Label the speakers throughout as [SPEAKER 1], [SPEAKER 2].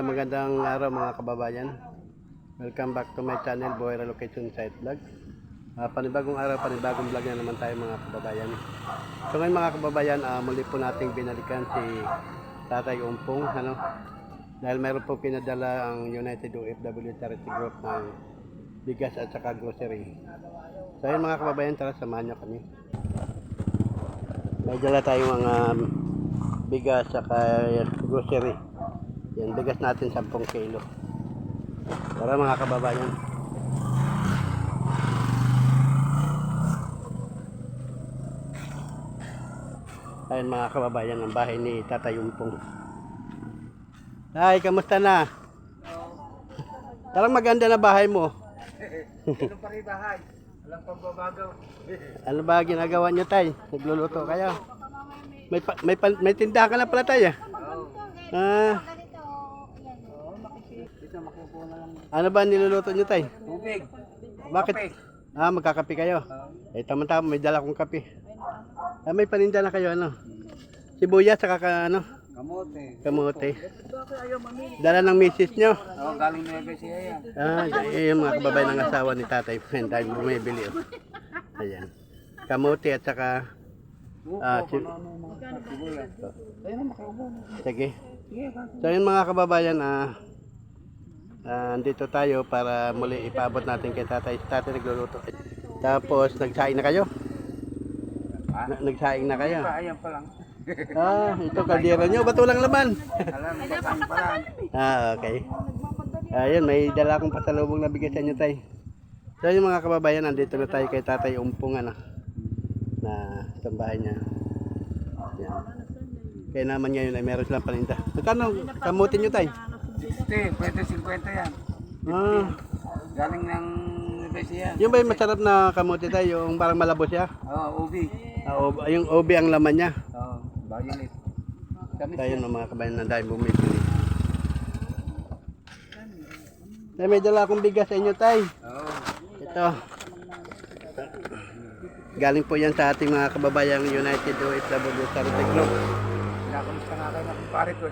[SPEAKER 1] Magandang araw mga kababayan. Welcome back to my channel, Boy Relocation Site Vlog. Panibagong araw, panibagong vlog na naman tayo mga kababayan. So ngayon mga kababayan, muli po nating binalikan si Tatay Umpong. Dahil mayroon po pinadala ang United OFW Charity Group ng bigas at saka grocery. So ayun mga kababayan, tara samahan niyo kami. May dala tayong mga bigas at saka grocery. Yan, bigas natin 10 kilo. Tara mga kababayan. Ayun mga kababayan, ang bahay ni Tatay Umpong. Ay, kamusta na? Parang maganda na bahay mo.
[SPEAKER 2] Ito pa rin bahay. Walang pagbabago.
[SPEAKER 1] Ano ba ginagawa niyo, Tay? Nagluluto kayo? May tindahan ka na pala, Tay. Ano ba niluluto niyo, Tay?
[SPEAKER 2] Tubig.
[SPEAKER 1] Bakit? Magkakape kayo. Tama-tama, may dala kong kape. May paninda na kayo, sibuyas, saka
[SPEAKER 2] Kamote.
[SPEAKER 1] kamote. Dala ng misis nyo.
[SPEAKER 2] Galing Nueva Ecija yan.
[SPEAKER 1] Yung mga kababayan ng asawa ni Tatay. Dahil bumibili. Ayan. Kamote at saka
[SPEAKER 2] Sibuyas. Ayun na, makaubo.
[SPEAKER 1] sige. So yun mga kababayan, andito tayo para muli ipabot natin kay Tatay. Tatay nagluluto. Tapos nagsaing na kayo? Nagsaing na kayo?
[SPEAKER 2] Ayan pa lang.
[SPEAKER 1] Ito kaldero nyo. Ba't walang laman?
[SPEAKER 2] Alam, pasain pa lang.
[SPEAKER 1] Okay. Ayun, may dala akong pasalubong na bigay sa inyo, Tay. So yung mga kababayan, andito na tayo kay Tatay Umpong, na sambahay niya. Yan. Kaya naman ngayon ay meron silang paninda. Magkano kamutin nyo, Tay?
[SPEAKER 2] 60, pwede 50 yan. Galing ng Nueva Ecija.
[SPEAKER 1] Yung ba yung masarap na kamuti, Tay? Yung parang malabo siya?
[SPEAKER 2] Ubi.
[SPEAKER 1] Yung obi ang laman niya.
[SPEAKER 2] Violet.
[SPEAKER 1] Tayo ng mga kabayan na dahil bumibili. Tay, may dala akong bigas sa inyo, Tay. Ito. Galing po yan sa ating mga kababayang United OFW Charity Group.
[SPEAKER 2] Pinakamusta nga kayo na kumpare ko.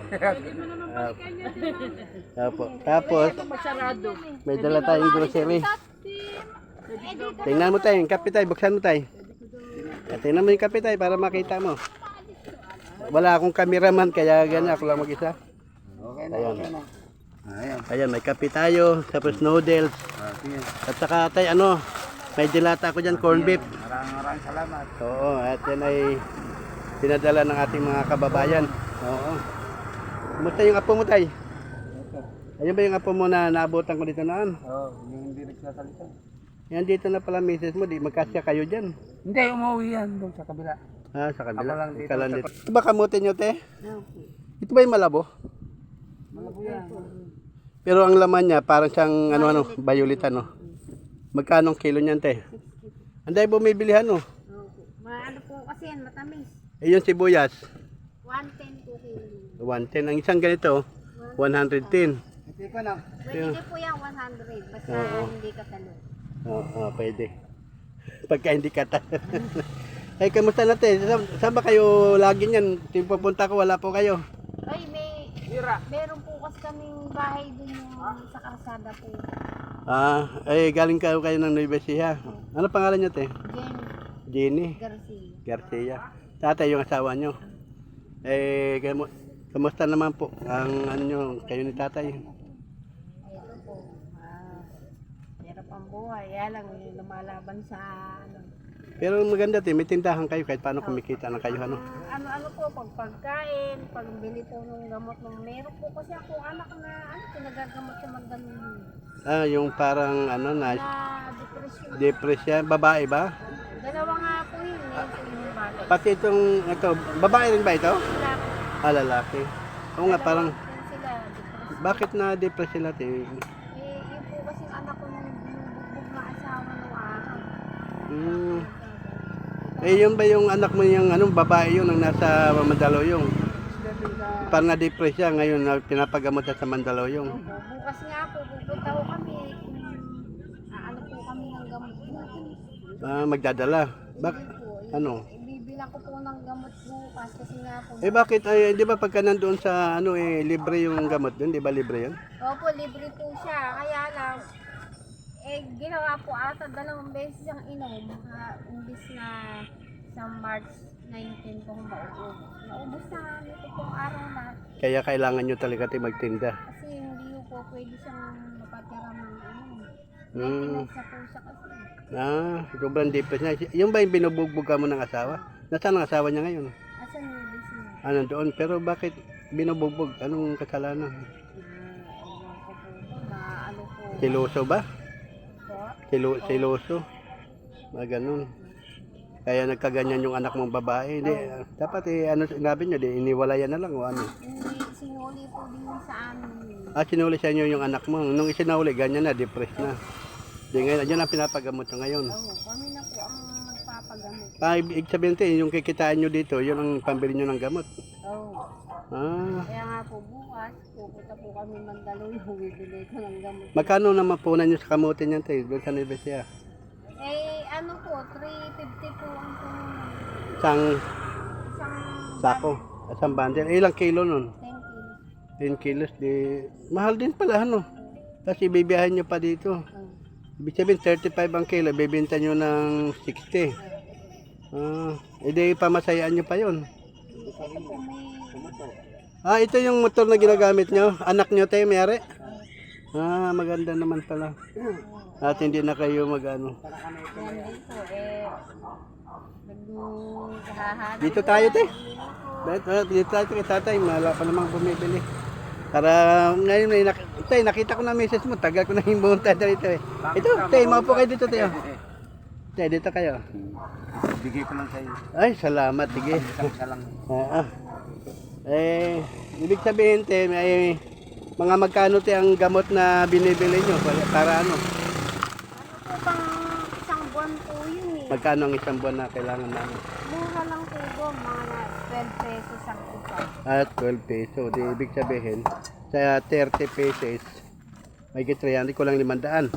[SPEAKER 1] Tapos, may dala tayong grocery. Tingnan mo, Tay, yung kape, Tay. Buksan mo, Tay. Tingnan mo yung kape, Tay, para makita mo. Wala akong cameraman, kaya ganyan ako lang mag-isa.
[SPEAKER 2] Okay na,
[SPEAKER 1] Ayan.
[SPEAKER 2] okay na.
[SPEAKER 1] Ayan, may kape tayo, tapos noodles. At saka, Tay, may dilata ako dyan, corn beef.
[SPEAKER 2] Maraming salamat.
[SPEAKER 1] Oo, at yan ay pinadala ng ating mga kababayan. Oo. Kumusta yung apo mo, Tay? Ayun ba yung apo mo na naabutan ko dito naan?
[SPEAKER 2] Yung hindi nagsasalita.
[SPEAKER 1] Yan dito na pala misis mo, di magkasya kayo dyan.
[SPEAKER 2] Hindi, umuwi yan doon sa kabila.
[SPEAKER 1] Sa kabila.
[SPEAKER 2] Ako lang dito.
[SPEAKER 1] Ikaw lang dito. Ito ba kamutin nyo, Te? Ito ba yung malabo?
[SPEAKER 2] Malabo yan.
[SPEAKER 1] Pero ang laman niya, parang siyang violet, Magkano ang kilo niyan, Te? Anday bumibilihan,
[SPEAKER 3] Ano po kasi yan, matamis.
[SPEAKER 1] Yung sibuyas,
[SPEAKER 3] 110 po kilo.
[SPEAKER 1] 110. Ang isang ganito, 110.
[SPEAKER 2] Hindi ko na.
[SPEAKER 3] Pwede po yan 100, basta hindi katalo.
[SPEAKER 1] Oo, pwede. Pagka hindi kata. Ay, kamusta na, Te? Saan ba kayo lagi niyan? Yung pupunta ko, wala po kayo.
[SPEAKER 3] Ay, meron po kasi kaming bahay dun yung sa karsada po.
[SPEAKER 1] Galing kayo ng Nueva Ecija. Ano pangalan niyo, Te? Jenny
[SPEAKER 3] Garcia.
[SPEAKER 1] Garcia. Tatay yung asawa niyo. Kamusta naman po ang kayo ni Tatay?
[SPEAKER 3] Ito po, hirap ang buhay. Kaya lang, lumalaban sa
[SPEAKER 1] Pero maganda, Te, may tindahan kayo kahit paano kumikita na kayo,
[SPEAKER 3] Ano po, pagkain, pagbili po ng gamot ng meron po kasi ako anak na pinagagamot sa magganun.
[SPEAKER 1] Yung parang
[SPEAKER 3] Na depression.
[SPEAKER 1] depression, babae ba?
[SPEAKER 3] Dalawa nga po yun, yung bata.
[SPEAKER 1] Pati ito, babae rin ba ito? Lalaki. Oo nga, parang,
[SPEAKER 3] Sila, depression.
[SPEAKER 1] bakit na-depress sila, Te?
[SPEAKER 3] Yun po kasi yung anak ko nung binubugbog na asawa nung araw.
[SPEAKER 1] Yun ba yung anak mo yung babae yun ang nasa Mandaluyong? Parang na-depress siya ngayon na pinapagamot siya sa Mandaluyong.
[SPEAKER 3] Bukas nga po, pupunta ko kami. Ano po kami ng gamot.
[SPEAKER 1] Magdadala.
[SPEAKER 3] Hindi po,
[SPEAKER 1] Ano?
[SPEAKER 3] ibibili bibilang ko po ng gamot bukas kasi nga po.
[SPEAKER 1] Eh bakit, ay, di ba pagka nandoon sa ano eh, libre yung gamot doon, di ba libre yun?
[SPEAKER 3] Opo, libre po siya. Kaya lang, ginawa po ata 2 beses ang inom. Imbis na sa March 19 po maubos. Naubos na nito pong araw na.
[SPEAKER 1] Kaya kailangan nyo talaga tayo magtinda.
[SPEAKER 3] Kasi hindi po pwede siyang mapatira ng ano.
[SPEAKER 1] Hmm.
[SPEAKER 3] Maintenance na po siya kasi.
[SPEAKER 1] Sobrang depressed na. Yung ba yung binubugbog ka mo ng asawa? Nasaan ang asawa niya ngayon?
[SPEAKER 3] Asan yung busy?
[SPEAKER 1] Nandoon. Pero bakit binubugbog? Anong kasalanan?
[SPEAKER 3] Ewan ko po na ano po.
[SPEAKER 1] Siloso ba?
[SPEAKER 3] Po?
[SPEAKER 1] Siloso? Ganun. Kaya nagkaganyan yung anak mong babae. Hindi, dapat ano sinabi nyo, iniwalayan na lang o ano?
[SPEAKER 3] Hindi, sinuli po din yun sa amin.
[SPEAKER 1] Sinuli sa inyo yung anak mo. Nung isinuli, ganyan na, depressed na. Di ngayon, yun ang pinapagamot nyo ngayon.
[SPEAKER 3] Oo, kami na po ang magpapagamot.
[SPEAKER 1] Ibig sabihin tayo, yung kikitaan nyo dito, yun ang pambili nyo ng gamot.
[SPEAKER 3] Oo.
[SPEAKER 1] Ah,
[SPEAKER 3] Kaya nga po bukas, pupunta po kami Mandaluyong, bibili ko ng gamot.
[SPEAKER 1] magkano naman punan nyo sa kamutin niyan tayo, doon sa Nevesia?
[SPEAKER 3] Ano po, 350 po ang puno.
[SPEAKER 1] Isang
[SPEAKER 3] Isang
[SPEAKER 1] sako, isang bundle. Ilang kilo nun?
[SPEAKER 3] 10 kilos.
[SPEAKER 1] 10 kilos, di mahal din pala ano. Kasi ibibiyahin nyo pa dito.
[SPEAKER 3] Oo.
[SPEAKER 1] Ibig sabihin 35 ang kilo, bibenta nyo ng 60. Edi pamasayaan nyo pa yun.
[SPEAKER 3] Ito po may...
[SPEAKER 1] Ito yung motor na ginagamit nyo. Anak nyo tayo, mayari? Maganda naman pala. At hindi na kayo mag-ano.
[SPEAKER 3] Yan din po, naghahanap.
[SPEAKER 1] Dito tayo, te. Dito tayo kay tatay. Wala pa namang bumibili. Para ngayon, tay, nakita ko na message mo. Tagal ko na yung bumunta dito eh. Ito, tay, maupo kayo dito, tayo. Tay, dito kayo.
[SPEAKER 2] Bigay ko lang sa iyo.
[SPEAKER 1] Ay, salamat. Sige.
[SPEAKER 2] Isa lang.
[SPEAKER 1] Ibig sabihin, te, may mga magkano te ang gamot na binibili nyo para ano?
[SPEAKER 3] Ano po bang isang buwan po yun eh.
[SPEAKER 1] Magkano ang isang buwan na kailangan namin?
[SPEAKER 3] Mura lang po po, mga 12 pesos ang isa.
[SPEAKER 1] 12 peso. Di ibig sabihin, sa 30 pesos, may 300 ko lang 500.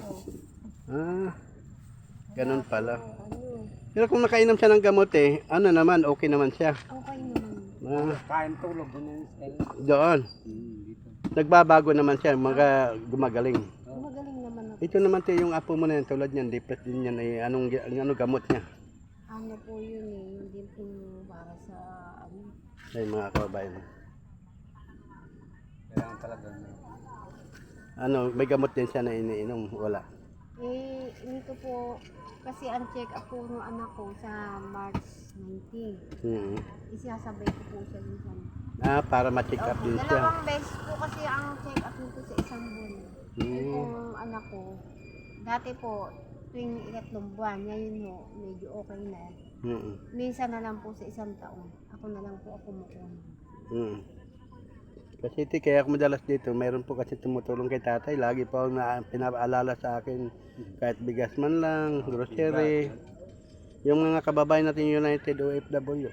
[SPEAKER 1] Ganun pala.
[SPEAKER 3] Ano,
[SPEAKER 1] Pero kung nakainom siya ng gamot ano naman, okay naman siya.
[SPEAKER 3] okay naman.
[SPEAKER 2] Kain tulog doon yung style.
[SPEAKER 1] Doon.
[SPEAKER 2] Dito.
[SPEAKER 1] Nagbabago naman siya, gumagaling.
[SPEAKER 3] Magaling naman ako.
[SPEAKER 1] Ito naman yung apo mo na yan, tulad niyan, depressed din yan, anong gamot niya?
[SPEAKER 3] Ano po yun eh, hindi po para sa ano.
[SPEAKER 1] Ay mga kababayan.
[SPEAKER 2] Kailangan talaga.
[SPEAKER 1] May gamot din siya na iniinom, wala.
[SPEAKER 3] Ito po, kasi ang check up po ng anak ko sa March 19. Isasabay ko po siya minsan.
[SPEAKER 1] Para ma-check up din siya.
[SPEAKER 3] Dalawang beses po kasi ang check up nito sa isang buwan. Yung anak ko, dati po, tuwing 3 buwan, ngayon ho, medyo okay na. Minsan na lang po sa 1 taon. Ako na lang po ako kumukuha.
[SPEAKER 1] Kasi kaya ako madalas dito, mayroon po kasi tumutulong kay tatay. Lagi po pinapaalala sa akin, kahit bigas man lang, grocery. Yung mga kababayan natin United OFW.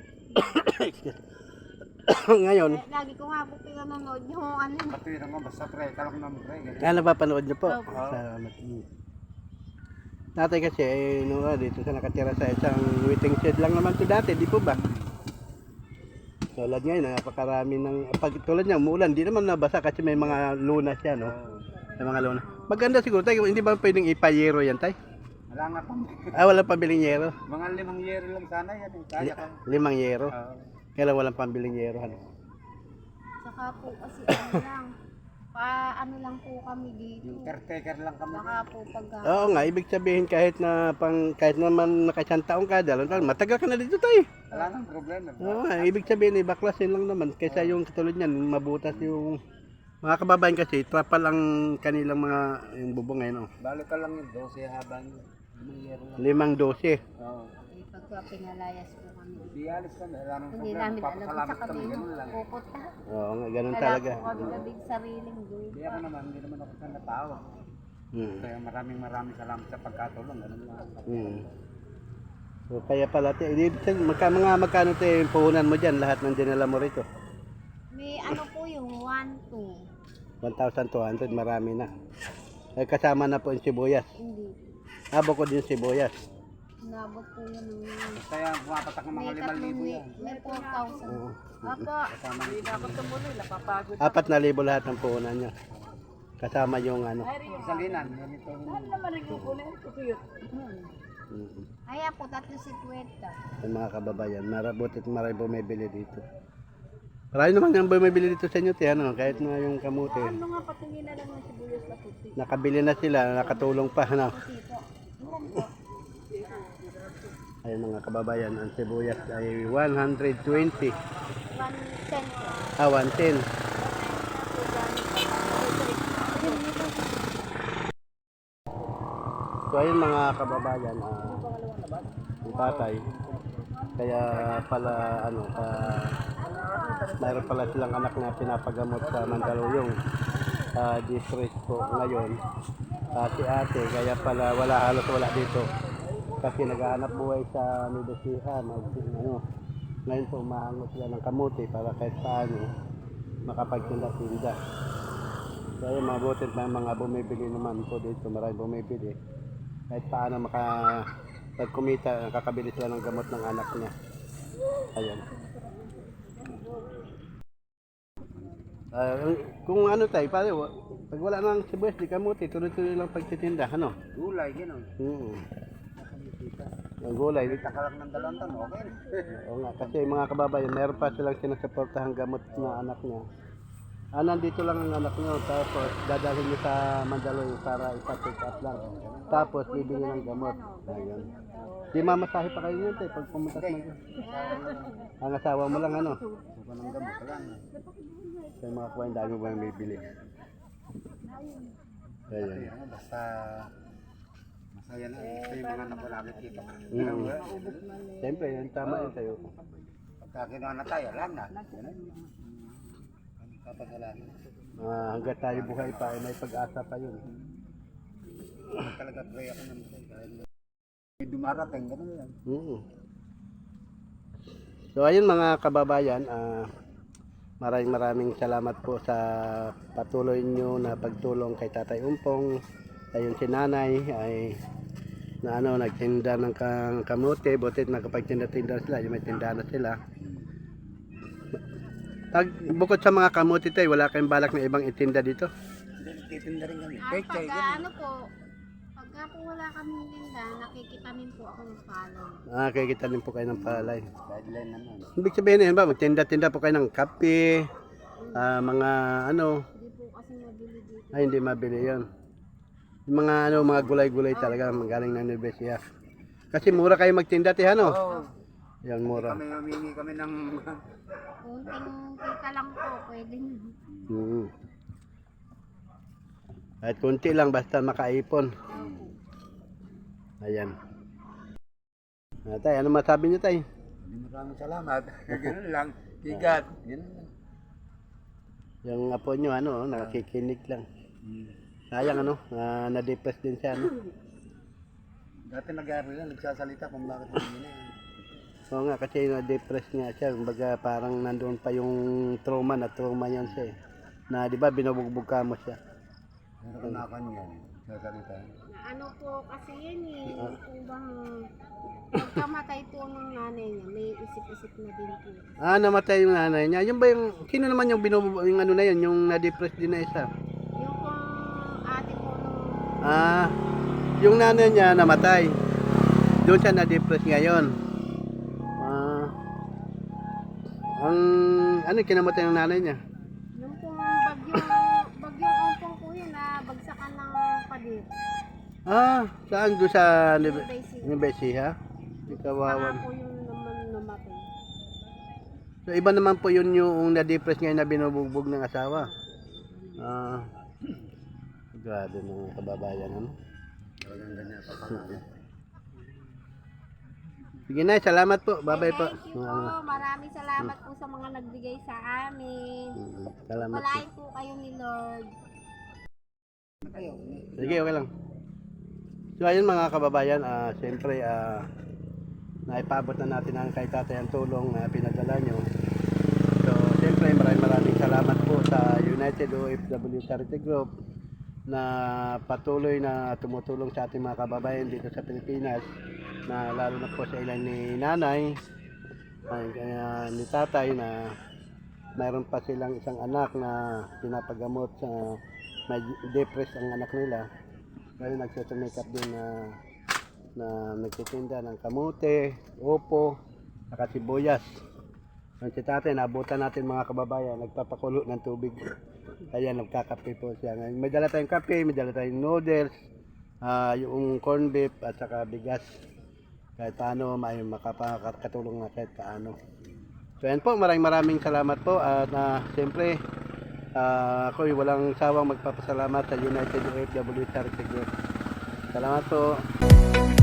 [SPEAKER 1] Ngayon,
[SPEAKER 3] Lagi ko nga po pinanonood yung ano.
[SPEAKER 2] Patira mo, basta pre, kalak naman pre.
[SPEAKER 1] napapanood niyo po.
[SPEAKER 3] Opo.
[SPEAKER 1] Salamat. Tatay kasi, dito sa nakatira sa isang waiting shed lang naman to dati, di po ba? Tulad ngayon, napakarami ng, pag tulad niya, umuulan, di naman nabasa kasi may mga lunas yan, no? May mga lunas. Maganda siguro, tayo, hindi ba pwedeng ipayero yan, tay?
[SPEAKER 2] Wala nga pang.
[SPEAKER 1] Walang pambiling yero.
[SPEAKER 2] Mga 5 year lang sana yan. Kaya ka.
[SPEAKER 1] 5 yero. Kailan walang pambiling yero, ano?
[SPEAKER 3] Saka po kasi ano lang, ano lang po kami dito.
[SPEAKER 2] Yung caretaker lang kami.
[SPEAKER 3] Baka po pagka...
[SPEAKER 1] Oo nga, ibig sabihin kahit naman nakasang taong ka, matagal ka na dito, tay.
[SPEAKER 2] Wala nang problema.
[SPEAKER 1] Oo nga, ibig sabihin baklasin lang naman kaysa yung katulad niyan, mabutas yung mga kababayan kasi trapal ang kanilang mga yung bubong ngayon.
[SPEAKER 2] Balo ka lang yung 12 habang 5 year lang.
[SPEAKER 1] 5-12.
[SPEAKER 2] Oo.
[SPEAKER 3] Pagka pinalayas po kami.
[SPEAKER 2] Di alis kami. Wala nang
[SPEAKER 3] Hindi
[SPEAKER 2] problema.
[SPEAKER 3] namin alam
[SPEAKER 2] Papasalamat
[SPEAKER 3] sa
[SPEAKER 2] kami.
[SPEAKER 3] kami
[SPEAKER 2] Ganun lang.
[SPEAKER 3] pupunta.
[SPEAKER 1] Oo nga, ganun
[SPEAKER 3] Wala
[SPEAKER 1] talaga.
[SPEAKER 3] po kami labing sariling
[SPEAKER 2] Hindi
[SPEAKER 3] lupa.
[SPEAKER 2] ako naman. Hindi naman ako sana tao. Kaya maraming salamat sa pagkatulong. Ganun lang.
[SPEAKER 1] So kaya pala, magkano yung puhunan mo dyan, lahat ng dinala mo rito?
[SPEAKER 3] May ano po yung 1-2.
[SPEAKER 1] 1,200, marami na. Kasama na po yung sibuyas.
[SPEAKER 3] Hindi.
[SPEAKER 1] Bukod yung sibuyas.
[SPEAKER 3] Nabot po yan ng
[SPEAKER 2] Kaya pumapatak ng mga 5,000 yan.
[SPEAKER 3] may 4,000.
[SPEAKER 1] Oo.
[SPEAKER 3] Opo.
[SPEAKER 2] Kasama nito.
[SPEAKER 1] Apat na libo lahat ng puhunan niya. Kasama yung ano.
[SPEAKER 2] Isang linan. Ganito.
[SPEAKER 3] Ayan po, 350.
[SPEAKER 1] Yung mga kababayan, marabutit maray bumibili dito. Marami naman yung bumibili dito sa inyo, ano, kahit na yung kamote.
[SPEAKER 3] Ano nga, patingin na lang ng sibuyas na puti.
[SPEAKER 1] Nakabili na sila, nakatulong pa, ano.
[SPEAKER 3] Puti po. Meron po.
[SPEAKER 1] Ayun mga kababayan, ang sibuyas ay 120.
[SPEAKER 3] 110 po.
[SPEAKER 1] 110. So ayun mga kababayan, yung tatay, kaya pala ano, mayroon pala silang anak na pinapagamot sa Mandaluyong district po ngayon. Si ate, kaya pala halos wala dito. Kasi naghahanap buhay sa Medesiha, ano, ngayon po umahangot sila ng kamuti para kahit paano makapagtinda-tinda. Kaya mabutit na mga bumibili naman po dito, maraming bumibili. Kahit paano pagkumita, nakakabili sila ng gamot ng anak niya. Ayan. Kung ano tayo, pag wala nang sibuyas, di kamuti, tuloy-tuloy lang pagtitinda, ano?
[SPEAKER 2] Gulay, gano'n.
[SPEAKER 1] Ang gulay.
[SPEAKER 2] Takalak ng 2 taon, okay na.
[SPEAKER 1] Oo nga, kasi mga kababayan, meron pa silang sinusuportahang gamot na anak niya. Nandito lang ang anak niyo, tapos dadalhin niyo sa Mandaluyong para ipa-check up lang. Tapos bibili ng gamot. Ayun. Di mamasahe pa kayo yun, pag pumunta sa Mandaluyong. Ang asawa mo lang, ano?
[SPEAKER 2] Suka ng gamot ka lang.
[SPEAKER 1] Sa mga kuwain, dami mo yung bibili. Ayun.
[SPEAKER 2] Basta masaya na. Ito yung mga anak ko nakikita.
[SPEAKER 1] Siyempre, yan tama yun sa'yo.
[SPEAKER 2] Pagka kinuha na tayo, alam na. Kapasalanan.
[SPEAKER 1] Hanggat tayo buhay pa, ay may pag-asa pa yun.
[SPEAKER 2] Talaga pray ako naman sa'yo. Dahil may dumarating, gano'n yan.
[SPEAKER 1] So ayun mga kababayan, maraming salamat po sa patuloy nyo na pagtulong kay Tatay Umpong. Ayun si Nanay ay nagtinda ng kamote, butit nakapagtinda-tinda sila, yung may tinda na sila. Bukod sa mga kamote tayo, wala kayong balak na ibang itinda dito?
[SPEAKER 2] Titinda rin kami.
[SPEAKER 3] Pagka ano po, pagka po wala kami tinda, nakikitamin po ako ng palay.
[SPEAKER 1] Kikita din po kayo ng palay.
[SPEAKER 2] Guideline naman.
[SPEAKER 1] Ibig sabihin yun ba, magtinda-tinda po kayo ng kape, mga ano,
[SPEAKER 3] Hindi po kasi mabili dito.
[SPEAKER 1] ay hindi mabili yun. Yung mga mga gulay-gulay talaga, magaling ng Nubesia. Kasi mura kayo magtinda, ano?
[SPEAKER 2] Oo.
[SPEAKER 1] Yan, mura.
[SPEAKER 2] Kami humingi kami ng...
[SPEAKER 3] Kunting kita lang po, pwede na.
[SPEAKER 1] Kahit kunti lang, basta makaipon. Ayan. Tay, ano masabi niyo, Tay?
[SPEAKER 2] Maraming salamat. Ganun lang. Tigat. Ganun lang.
[SPEAKER 1] Yung apo niyo, nakikinig lang. Sayang, na-depress din siya,
[SPEAKER 2] Dati nag-aaral lang, nagsasalita kung bakit hindi na yan.
[SPEAKER 1] Oo nga, kasi na-depress nga siya. Kumbaga parang nandoon pa yung trauma yan siya eh. Na di ba binubugbog ka mo siya.
[SPEAKER 2] Pero kanakan yan, nagsasalita.
[SPEAKER 3] Ano po kasi yan eh, kung bang pagkamatay po ng nanay niya, may isip-isip na din po.
[SPEAKER 1] Namatay yung nanay niya. Yung ba yung, sino naman yung binubugbog, yung ano na yun, yung na-depress din na isa?
[SPEAKER 3] Yung pong ate po nung
[SPEAKER 1] Yung nanay niya namatay. Doon siya na-depress ngayon. Ano kinamatay ng nanay niya?
[SPEAKER 3] yung pong bagyong ompong po yun na bagsakan ng pader.
[SPEAKER 1] Saan doon sa
[SPEAKER 3] Basic.
[SPEAKER 1] Nubesia? Ikawawan.
[SPEAKER 3] Saka po yung naman namatay.
[SPEAKER 1] So iba naman po yun yung na-depress ngayon na binubugbog ng asawa. Grabe mga kababayan, ano?
[SPEAKER 2] Talagang ganyan pa.
[SPEAKER 1] Sige na, salamat po. Bye-bye po.
[SPEAKER 3] Thank you po. Maraming salamat po sa mga nagbigay sa amin.
[SPEAKER 1] Salamat po.
[SPEAKER 3] Palain po kayo ni Lord.
[SPEAKER 1] Sige, okay lang. So ayun mga kababayan, siyempre naipabot na natin ang kay tatay ang tulong na pinadala nyo. So siyempre maraming salamat po sa United OFW Charity Group na patuloy na tumutulong sa ating mga kababayan dito sa Pilipinas na lalo na po sa ilan ni nanay ay kaya ni tatay na mayroon pa silang isang anak na pinapagamot sa may depressed ang anak nila. Kaya nagsusumikap din na nagtitinda ng kamote, opo, saka sibuyas. Ang si tatay, naabutan natin mga kababayan, nagpapakulo ng tubig. Kaya nagkakape po siya. May dala tayong kape, may dala tayong noodles, yung corn beef at saka bigas. Kahit paano, may makakatulong na kahit paano. So yan po, maraming salamat po. At siyempre, ako'y walang sawang magpapasalamat sa United OFW Charity Group. Salamat po.